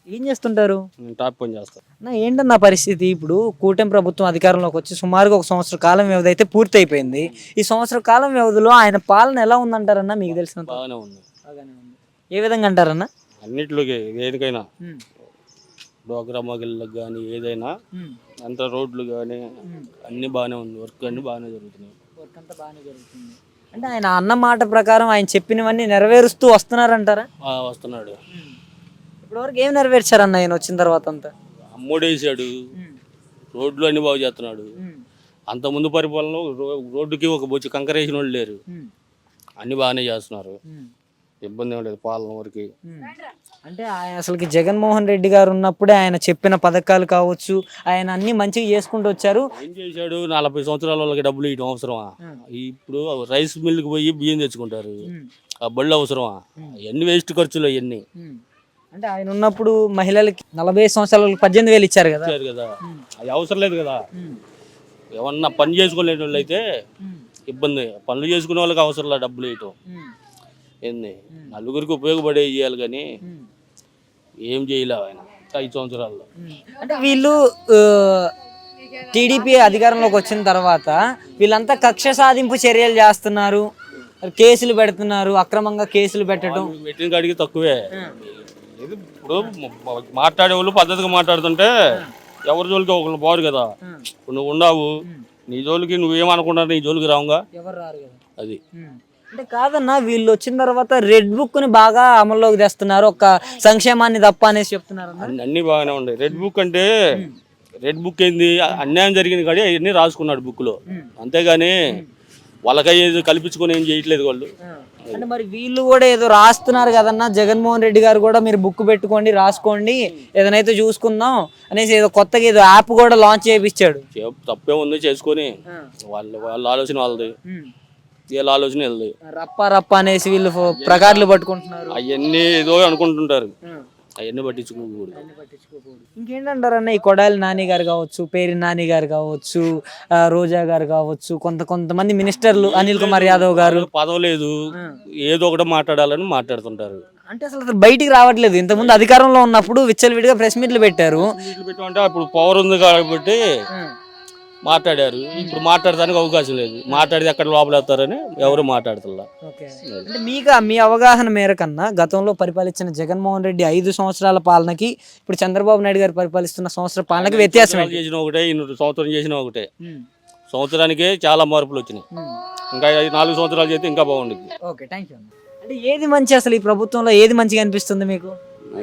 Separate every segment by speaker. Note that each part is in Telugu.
Speaker 1: ఏం చేస్తుంటారు?
Speaker 2: నేను టాప్ పని చేస్తాను.
Speaker 1: ఏంటన్నా పరిస్థితి? ఇప్పుడు కూటమి ప్రభుత్వం అధికారంలోకి వచ్చి సుమారుగా ఒక సంవత్సర కాలం వ్యవధి అయితే పూర్తి అయిపోయింది. ఈ సంవత్సర కాలం వ్యవధిలో ఆయన పాలన ఎలా ఉందంటారన్నా మీకు తెలిసినంత?
Speaker 2: బాగానే ఉంది.
Speaker 1: బాగానే ఉంది. ఏ విధంగా అంటారన్నా?
Speaker 2: అన్నిట్లోకి దేనికైనా డోగ్రా మగిళ్ళకి కానీ ఏదైనా అంత రోడ్లు కానీ అన్ని బాగానే ఉంది. వర్క్ అన్ని బాగానే జరుగుతున్నాయి.
Speaker 1: వర్క్ అంతా బాగానే జరుగుతుంది. అంటే ఆయన అన్న మాట ప్రకారం ఆయన చెప్పినవన్నీ నెరవేరుస్తూ వస్తున్నారంటారా?
Speaker 2: వస్తున్నాడు.
Speaker 1: ఇప్పటివరకు ఏం నెరవేర్చారన్న ఆయన వచ్చిన తర్వాత అంతా?
Speaker 2: అమ్మోడేసాడు, రోడ్లు అన్ని బాగు చేస్తున్నాడు. అంత ముందు పరిపాలనలో రోడ్డుకి ఒక బొచ్చి కంకరేసిన వాళ్ళు లేరు. అన్ని బాగానే చేస్తున్నారు. ఇబ్బంది ఏం లేదు పాలన వరకు.
Speaker 1: అంటే ఆయన అసలుకి జగన్మోహన్ రెడ్డి గారు ఉన్నప్పుడే ఆయన చెప్పిన పథకాలు కావచ్చు, ఆయన అన్ని మంచిగా చేసుకుంటూ వచ్చారు.
Speaker 2: ఏం చేశాడు? 40 సంవత్సరాల వాళ్ళకి డబ్బులు ఇవ్వడం అవసరమా? ఇప్పుడు రైస్ మిల్లుకి పోయి బియ్యం తెచ్చుకుంటారు. ఆ బళ్ళు అవసరమా? ఎన్ని వేస్ట్ ఖర్చులు అవన్నీ.
Speaker 1: అంటే ఆయన ఉన్నప్పుడు మహిళలకి 45 సంవత్సరాలకు 18,000 ఇచ్చారు కదా.
Speaker 2: అది అవసరం లేదు కదా. ఏమన్నా పని చేసుకోలేని వాళ్ళు అయితే ఇబ్బంది. పనులు చేసుకునే వాళ్ళకి అవసరం లేదు డబ్బులు ఇవ్వటం. ఏంది నలుగురికి ఉపయోగపడే చేయాలి కానీ ఏం చేయలేవు ఆయన 5 సంవత్సరాల్లో.
Speaker 1: అంటే వీళ్ళు టీడీపీ అధికారంలోకి వచ్చిన తర్వాత వీళ్ళంతా కక్ష సాధింపు చర్యలు చేస్తున్నారు, కేసులు పెడుతున్నారు, అక్రమంగా కేసులు పెట్టడం.
Speaker 2: పెట్టిన కాడికి తక్కువే. ఇప్పుడు మాట్లాడే వాళ్ళు పద్ధతిగా మాట్లాడుతుంటే ఎవరి జోలికి ఒకళ్ళు బారు కదా. ఇప్పుడు నువ్వు ఉన్నావు, నీ జోలికి నువ్వేమనుకుంటా నీ జోలికి రావుగా
Speaker 1: ఎవరు రారు కదా.
Speaker 2: అది
Speaker 1: అంటే కాదన్నా, వీళ్ళు వచ్చిన తర్వాత రెడ్ బుక్ ని బాగా అమల్లోకి తెస్తున్నారు, ఒక సంక్షేమాన్ని తప్ప అనేసి చెప్తున్నారు.
Speaker 2: అన్ని బాగానే ఉన్నాయి. రెడ్ బుక్ అంటే రెడ్ బుక్ ఏంది? అన్యాయం జరిగింది కానీ అవన్నీ రాసుకున్నాడు బుక్ లో, అంతేగాని వాళ్ళకయ్యేది కల్పించుకొని ఏం చేయట్లేదు వాళ్ళు.
Speaker 1: అంటే మరి వీళ్ళు కూడా ఏదో రాస్తున్నారు కదన్నా, జగన్మోహన్ రెడ్డి గారు కూడా మీరు బుక్ పెట్టుకోండి, రాసుకోండి, ఏదైతే చూసుకుందాం అనేసి ఏదో కొత్తగా ఏదో యాప్ కూడా లాంచ్ చేయించాడు.
Speaker 2: తప్పే ఉంది చేసుకొని, వాళ్ళ ఆలోచన వాళ్ళది, వీళ్ళ ఆలోచన వెళ్ళదు.
Speaker 1: రప్ప రప్ప అనేసి వీళ్ళు ప్రకార్లు పట్టుకుంటున్నారు.
Speaker 2: అవన్నీ ఏదో అనుకుంటుంటారు, అవన్నీ పట్టించుకోకూడదు.
Speaker 1: ఇంకేంటంటారన్న, ఈ కొడాలి నాని గారు కావచ్చు, పేరి నాని గారు కావచ్చు, రోజా గారు కావచ్చు, కొంతమంది మినిస్టర్లు, అనిల్ కుమార్ యాదవ్ గారు
Speaker 2: పదవి లేదు, ఏదో ఒకటి మాట్లాడాలని మాట్లాడుతుంటారు.
Speaker 1: అంటే అసలు బయటికి రావట్లేదు. ఇంతకుముందు అధికారంలో ఉన్నప్పుడు విచ్చలవిడిగా ప్రెస్ మీట్లు పెట్టారు.
Speaker 2: అంటే అప్పుడు పవర్ ఉంది కాబట్టి మాట్లాడారు. ఇప్పుడు మాట్లాడడానికి అవకాశం లేదు. మాట్లాడితే ఎక్కడ లోపలేస్తారని ఎవరు మాట్లాడుతున్నా.
Speaker 1: అంటే మీ అవగాహన మేరకన్నా గతంలో పరిపాలించిన జగన్మోహన్ రెడ్డి 5 సంవత్సరాల పాలనకి ఇప్పుడు చంద్రబాబు నాయుడు గారు పరిపాలిస్తున్న సంవత్సరం పాలనకి వ్యత్యాసం
Speaker 2: చేసిన ఒకటే, 2 సంవత్సరం చేసిన ఒకటే. సంవత్సరానికే చాలా మార్పులు వచ్చినాయి. ఇంకా 4 సంవత్సరాలు చేస్తే ఇంకా బాగుంటుంది.
Speaker 1: Okay, thank you. అంటే ఏది మంచి, అసలు ఈ ప్రభుత్వంలో ఏది మంచిగా అనిపిస్తుంది మీకు?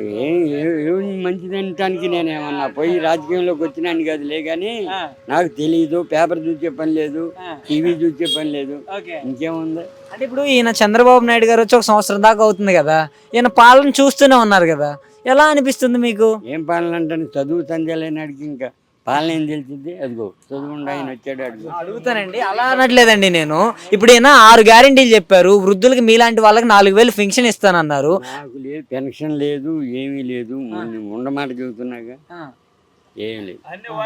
Speaker 3: మంచిది అనటానికి నేనేమన్నా పోయి రాజకీయంలోకి వచ్చినాను కదలే కానీ నాకు తెలియదు. పేపర్ చూసే పని లేదు, టీవీ చూసే పని లేదు, ఇంకేముంది.
Speaker 1: అంటే ఇప్పుడు ఈయన చంద్రబాబు నాయుడు గారు వచ్చి 1 సంవత్సరం దాకా అవుతుంది కదా, ఈయన పాలన చూస్తూనే ఉన్నారు కదా, ఎలా అనిపిస్తుంది మీకు?
Speaker 3: ఏం పాలన అంటే చదువు సంధ్యాలైనాడికి ఇంకా పాలన ఏం తెలిసింది? అదిగో చదువుకుండా ఆయన వచ్చాడు.
Speaker 1: అడుగుతానండి, అలా అనట్లేదండి నేను. ఇప్పుడు ఈయన 6 గ్యారెంటీలు చెప్పారు, వృద్ధులకి మీలాంటి వాళ్ళకి 4,000 పెన్షన్ ఇస్తానన్నారు.
Speaker 3: నాకు లేదు, పెన్షన్ లేదు, ఏమీ లేదు. ఉండమాట చెబుతున్నాగా ఏం లేదు.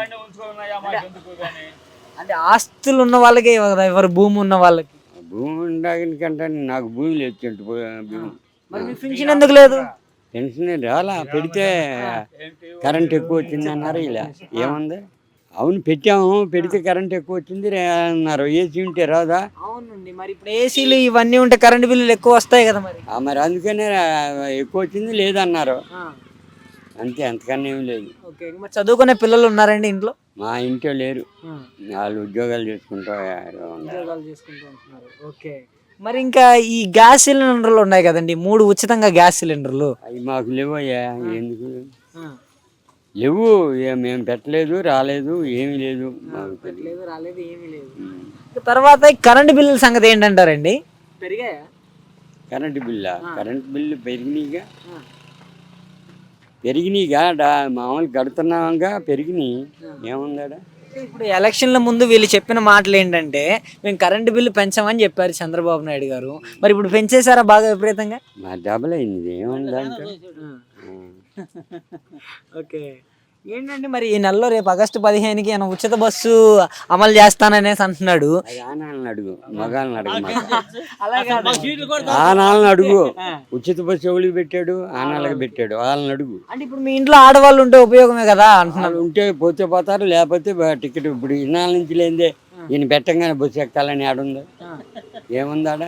Speaker 1: అంటే ఆస్తులు ఉన్న వాళ్ళకే కదా, ఎవరు భూమి ఉన్న వాళ్ళకి.
Speaker 3: భూమి ఉండకంటే నాకు భూమి లేదు.
Speaker 1: పెన్షన్ ఎందుకు లేదు?
Speaker 3: పెన్షన్ రాలా, పెడితే కరెంట్ ఎక్కువ వచ్చింది అన్నారు. ఇలా ఏముంది? అవును పెట్టాము, పెడితే కరెంట్ ఎక్కువ వచ్చింది అన్నారు. ఏసీ ఉంటే రాదా?
Speaker 1: అవునండి, మరి ఇప్పుడు ఏసీలు ఇవన్నీ ఉంటే కరెంట్ బిల్లులు ఎక్కువ వస్తాయి కదా.
Speaker 3: మరి అందుకనే ఎక్కువ వచ్చింది లేదన్నారు. అంతే, అంతకన్నా ఏమి లేదు.
Speaker 1: మరి చదువుకునే పిల్లలు ఉన్నారండి ఇంట్లో?
Speaker 3: మా ఇంట్లో లేరు, వాళ్ళు ఉద్యోగాలు చేసుకుంటారు.
Speaker 1: ఓకే, మరి ఇంకా ఈ గ్యాస్ సిలిండర్లు ఉన్నాయి కదండి, 3 ఉచితంగా గ్యాస్ సిలిండర్లు,
Speaker 3: అవి మాకు లేవయ్యా. ఎందుకు లేవు? మేము పెట్టలేదు, రాలేదు, ఏమీ లేదు.
Speaker 1: తర్వాత కరెంటు బిల్లుల సంగతి ఏంటంటారండి? పెరిగాయా
Speaker 3: కరెంటు బిల్లా? కరెంటు బిల్లు పెరిగినాయిగా మామూలు కడుతున్నాగా, పెరిగినాయి. ఏముందా?
Speaker 1: ఇప్పుడు ఎలక్షన్ల ముందు వీళ్ళు చెప్పిన మాటలు ఏంటంటే, మేము కరెంటు బిల్లు పెంచామని చెప్పారు చంద్రబాబు నాయుడు గారు. మరి ఇప్పుడు పెంచేశారా బాగా విపరీతంగా?
Speaker 3: డబుల్ అయింది. ఏముందంటే
Speaker 1: ఓకే, ఏంటండి మరి ఈ నెలలో రేపు ఆగస్టు 15కి ఆయన ఉచిత బస్సు అమలు చేస్తాననేసి అంటున్నాడు.
Speaker 3: అది ఆనాళ్ళని అడుగు, మగాళ్ళని అడుగు.
Speaker 1: అలాగే
Speaker 3: ఆనాళ్ళని అడుగు. ఉచిత బస్సు ఎవరికి పెట్టాడు? ఆనాళ్ళకి పెట్టాడు. వాళ్ళని అడుగు.
Speaker 1: అంటే ఇప్పుడు మీ ఇంట్లో ఆడవాళ్ళు ఉంటే ఉపయోగమే కదా అంటున్నాడు.
Speaker 3: వాళ్ళు ఉంటే పోతే పోతారు, లేకపోతే టికెట్ ఇప్పుడు ఇన్నాళ్ళ నుంచి లేదే ఈయన పెట్టంగానే బస్సు ఎక్కాలని ఆడుంది, ఏముందాడ?